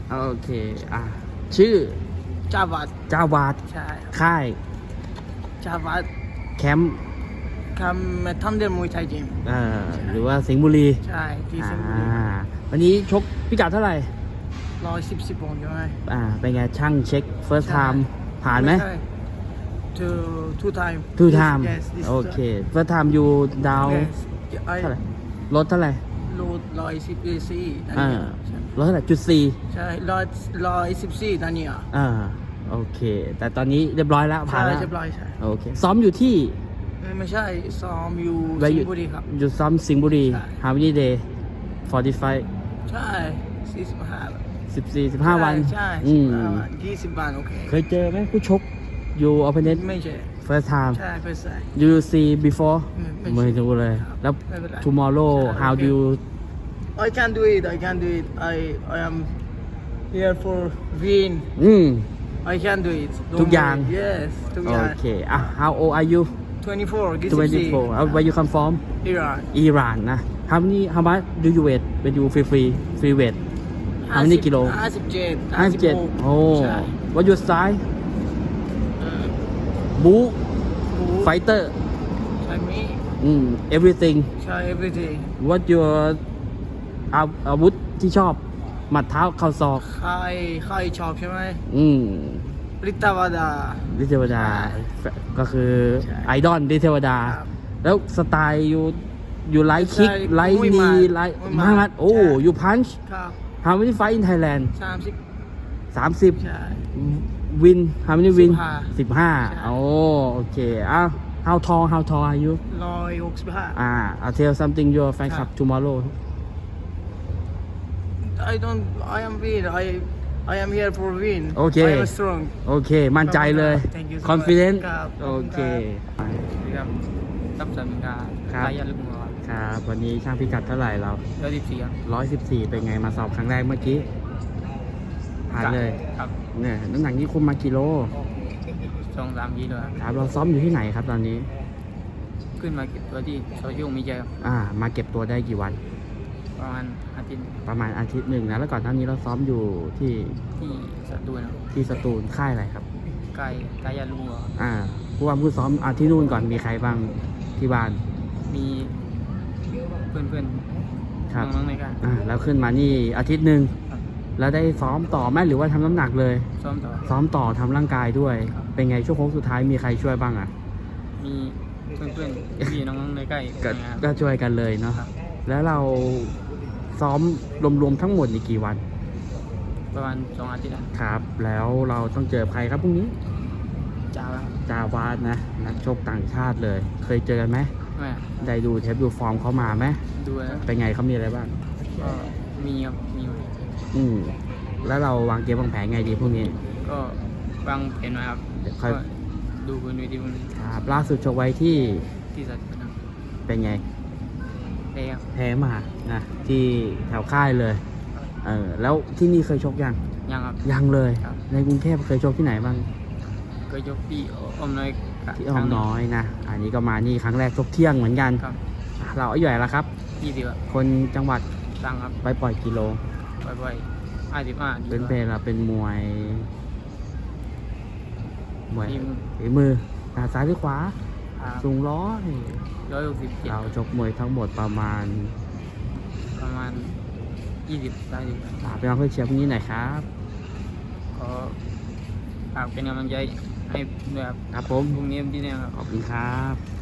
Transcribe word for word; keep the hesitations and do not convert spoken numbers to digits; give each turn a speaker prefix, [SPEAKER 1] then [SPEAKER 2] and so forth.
[SPEAKER 1] โอเคอ่ะชื่อ
[SPEAKER 2] จาวัด
[SPEAKER 1] จาวาด
[SPEAKER 2] ใช่ครับ
[SPEAKER 1] ค่าย
[SPEAKER 2] จาวัด
[SPEAKER 1] แคมป์
[SPEAKER 2] คำทำเดมวยไทยจิม
[SPEAKER 1] เอ่อหรือว่าสิงห์บุรี
[SPEAKER 2] ใช่ที่สิงห์บุ
[SPEAKER 1] อ่า
[SPEAKER 2] รี
[SPEAKER 1] วันนี้ชกพิกัดเท่าไหร่
[SPEAKER 2] ร้อยสิบสิบปอนด์ใช่ไหม
[SPEAKER 1] อ่าเป็นไงช่างเช็ค first
[SPEAKER 2] ใช่
[SPEAKER 1] time ผ่านไหม
[SPEAKER 2] ใช่ two two time
[SPEAKER 1] two time
[SPEAKER 2] yes this
[SPEAKER 1] โอเค first time you down
[SPEAKER 2] yes ไอ้
[SPEAKER 1] เท่าไหร่ลดเท่าไหร่
[SPEAKER 2] โลดร้อยสิบสี่นั่น
[SPEAKER 1] อ่า
[SPEAKER 2] เนี่ย
[SPEAKER 1] ลดเท่าไหร่จุดสี่
[SPEAKER 2] ใช่ร้อยร้อยสิบสี่นั่นเนี่ย
[SPEAKER 1] อ่าโอเค แต่ตอนนี้เรียบร้อยแล้วผ่านแล้ว
[SPEAKER 2] ใช่เรียบร้อยใช่
[SPEAKER 1] โอเคซ้อมอยู่ที่
[SPEAKER 2] ไม่ใช่ซ้อมอยู่
[SPEAKER 1] ไว้
[SPEAKER 2] สิ
[SPEAKER 1] อยู่
[SPEAKER 2] งห์บุรีครับ
[SPEAKER 1] อยู่ซ้อมสิงห์บุรี
[SPEAKER 2] ใช่
[SPEAKER 1] How many day forty-five
[SPEAKER 2] ใช่สี่สิบห้า
[SPEAKER 1] สิบสี่สิบห้าวัน
[SPEAKER 2] ใช่
[SPEAKER 1] อื
[SPEAKER 2] สิบ
[SPEAKER 1] ม
[SPEAKER 2] ห้าวันยี่สิบวันโอเค
[SPEAKER 1] เคยเจอไหมผู้ชกอยู่ opponent
[SPEAKER 2] ไม่ใช่
[SPEAKER 1] first time
[SPEAKER 2] ใช่เพื่อใส่
[SPEAKER 1] you see before
[SPEAKER 2] ไม่ไม่
[SPEAKER 1] ไม่รู้เลย แล้ว
[SPEAKER 2] ไม่เป็นไร
[SPEAKER 1] tomorrow
[SPEAKER 2] ใช่
[SPEAKER 1] how do you
[SPEAKER 2] I can do it I can do it I I am here for win
[SPEAKER 1] อืม
[SPEAKER 2] I can do it Don't
[SPEAKER 1] ทุกอย่าง
[SPEAKER 2] worry. Yes ทุกอ
[SPEAKER 1] โอย่าง เคอ่ะ how old are you
[SPEAKER 2] twenty-four ยี่สิบสี่
[SPEAKER 1] twenty-four uh, where you come from
[SPEAKER 2] Iran
[SPEAKER 1] Iran นะ how many how much do you weight when you free free free weight how many กิโล
[SPEAKER 2] ห้าสิบเจ็ด
[SPEAKER 1] ห้าสิบเจ็ดโอ้
[SPEAKER 2] ใช่
[SPEAKER 1] what your style
[SPEAKER 2] เออ
[SPEAKER 1] บู
[SPEAKER 2] บู
[SPEAKER 1] fighter
[SPEAKER 2] ใช่มี
[SPEAKER 1] อืม everything
[SPEAKER 2] ใช่ everyday
[SPEAKER 1] what your อาอาวุธที่ชอบ หมัดเท้าเข่าศอก
[SPEAKER 2] ใครใครชอบใช่ไหม
[SPEAKER 1] อืม
[SPEAKER 2] ริตาวดา
[SPEAKER 1] ดิเทวดา ก็คือ
[SPEAKER 2] ใช่
[SPEAKER 1] ไอดอลดิเทวดา
[SPEAKER 2] ครับ
[SPEAKER 1] แล้วสไตล์อยู่อยู่ไลท์คิก
[SPEAKER 2] ใช่
[SPEAKER 1] ไลท์
[SPEAKER 2] มวยหมั
[SPEAKER 1] นี
[SPEAKER 2] ด
[SPEAKER 1] ไลท์
[SPEAKER 2] มวยหมั
[SPEAKER 1] มา
[SPEAKER 2] ด
[SPEAKER 1] มัดโอ้
[SPEAKER 2] ใช่
[SPEAKER 1] ยูพันช์
[SPEAKER 2] ครับ
[SPEAKER 1] how many fight in Thailand
[SPEAKER 2] สามสิบ
[SPEAKER 1] สามสิบ
[SPEAKER 2] ใช่
[SPEAKER 1] วิน how many win
[SPEAKER 2] สิบห้า
[SPEAKER 1] สิบห้า
[SPEAKER 2] ใช่
[SPEAKER 1] โอ้โอเคอ้าว how tall how tall are you
[SPEAKER 2] ร้อยหกสิบห้า
[SPEAKER 1] อ่า I'll tell something your fan club tomorrow
[SPEAKER 2] I don't I am win I I am here for win
[SPEAKER 1] โอเค
[SPEAKER 2] I am strong
[SPEAKER 1] โอเค มั่นใจเลย
[SPEAKER 2] Thank you so much
[SPEAKER 1] confident
[SPEAKER 2] ครับ
[SPEAKER 1] โอเค
[SPEAKER 3] ครับตับสามิงกา
[SPEAKER 1] ครับ
[SPEAKER 3] สายยาลึกมือครับ
[SPEAKER 1] ครับ วันนี้ช่างพิกัดเท่าไหร่เรา
[SPEAKER 3] ร้อยสิบสี่ครับ
[SPEAKER 1] ร้อยสิบสี่เป็นไงมาสอบครั้งแรกเมื่อกี้ ผ่านเลย
[SPEAKER 3] ครับ
[SPEAKER 1] เนี่ยน้ำหนักนี้คุมมากิโล
[SPEAKER 3] สองสามยีเลยครับ
[SPEAKER 1] ครับเราซ้อมอยู่ที่ไหนครับตอนนี้
[SPEAKER 3] ขึ้นมาเก็บตัวที่โซเชียลมีเดียครับ
[SPEAKER 1] อ่า มาเก็บตัวได้กี่วัน
[SPEAKER 3] ประมาณอาทิตย์
[SPEAKER 1] ประมาณอาทิตย์หนึ่งนะ แล้วก่อนหน้านี้เราซ้อมอยู่ที่
[SPEAKER 3] ที่สตูลครับ
[SPEAKER 1] ที่สตูลค่ายอะไรครับ
[SPEAKER 3] ใกล้สายยาลึกมือครับ
[SPEAKER 1] อ่าผู้ว่าผู้ซ้อมอาที่นู่นก่อนมีใครบ้างที่บ้าน
[SPEAKER 3] มีเพื่อนเพื่อน
[SPEAKER 1] ครับ
[SPEAKER 3] น้องๆในการ
[SPEAKER 1] อ่าแล้วขึ้นมานี่อาทิตย์หนึ่ง
[SPEAKER 3] ครับ
[SPEAKER 1] แล้วได้ซ้อมต่อไหมหรือว่าทำน้ำหนักเลย
[SPEAKER 3] ซ้อมต่อ
[SPEAKER 1] ซ้อมต่อทำร่างกายด้วย
[SPEAKER 3] ครับ
[SPEAKER 1] เป็นไงช่วงโค้งสุดท้ายมีใครช่วยบ้างอ่ะ
[SPEAKER 3] มีเพื่อนเพื่อนๆพี่น้องๆในใกล้
[SPEAKER 1] ก็
[SPEAKER 3] นะครับ
[SPEAKER 1] ก็ช่วยกันเลยเนาะ
[SPEAKER 3] ครับ
[SPEAKER 1] แล้วเราซ้อมรวมๆทั้งหมดในกี่วัน
[SPEAKER 3] ประมาณสองอาทิตย์นะครับ
[SPEAKER 1] แล้วเราต้องเจอใครครับพรุ่งนี้
[SPEAKER 3] จ้าแล้วครับ
[SPEAKER 1] จาวาดนะ นักชกต่างชาติเลย เคยเจอกันไหม
[SPEAKER 3] ไม่
[SPEAKER 1] ได้ดูเทปดูฟอร์มเขามาไหม
[SPEAKER 3] ดูแล้ว
[SPEAKER 1] เป็นไงเขามีอะไรบ้าง
[SPEAKER 3] ก็มีครับมี
[SPEAKER 1] อืมแล้วเราวางเกมวางแผนไงดีพรุ่งนี้
[SPEAKER 3] ก็วางแผนไว้ครับ
[SPEAKER 1] เดี๋ยวค่อย
[SPEAKER 3] ก็ดูบนเวทีพรุ่งนี้
[SPEAKER 1] ครับล่าสุดชกไว้ที่
[SPEAKER 3] ที่สัตว์นะครับ
[SPEAKER 1] เป็นไง
[SPEAKER 3] เอ้ครับ
[SPEAKER 1] แพ้มานะที่แถวค่ายเลยเออแล้วที่นี่เคยชกยัง
[SPEAKER 3] ยังครับ
[SPEAKER 1] ยังเลย
[SPEAKER 3] ครับ
[SPEAKER 1] ในกรุงเทพเคยชกที่ไหนบ้าง
[SPEAKER 3] ก็ยกพี่อมน้อย
[SPEAKER 1] ที่อ้อมน้อยนะอันนี้ก็มานี่ครั้งแรกชกเที่ยงเหมือนกัน
[SPEAKER 3] ครับ
[SPEAKER 1] อ่ะเราอายุเท่าไหร่แล้วครับ
[SPEAKER 3] ยี่สิบ
[SPEAKER 1] คนจังหวัด
[SPEAKER 3] ตังครับ
[SPEAKER 1] ไปปล่อยกิโล
[SPEAKER 3] บ่อยๆห้าสิบห้า
[SPEAKER 1] เป็นเพลเราเป็นมวยมวย
[SPEAKER 3] ทีม
[SPEAKER 1] ฝีมือหน้าซ้ายหรือขวาสูงร้อย
[SPEAKER 3] ร้อยหกสิบเจ็ด
[SPEAKER 1] เราชกมวยทั้งหมดประมาณ
[SPEAKER 3] ประมาณยี่สิบสามสิบ
[SPEAKER 1] ฝากไปน้องเพื่อนเชียร์พรุ่งนี้หน่อยครับ
[SPEAKER 3] ขอฝากเป็นกำลังใจให้ด้วยครับ
[SPEAKER 1] ครับผม
[SPEAKER 3] พรุ่งนี้ที่นี่ครับ
[SPEAKER 1] ขอบคุณครับ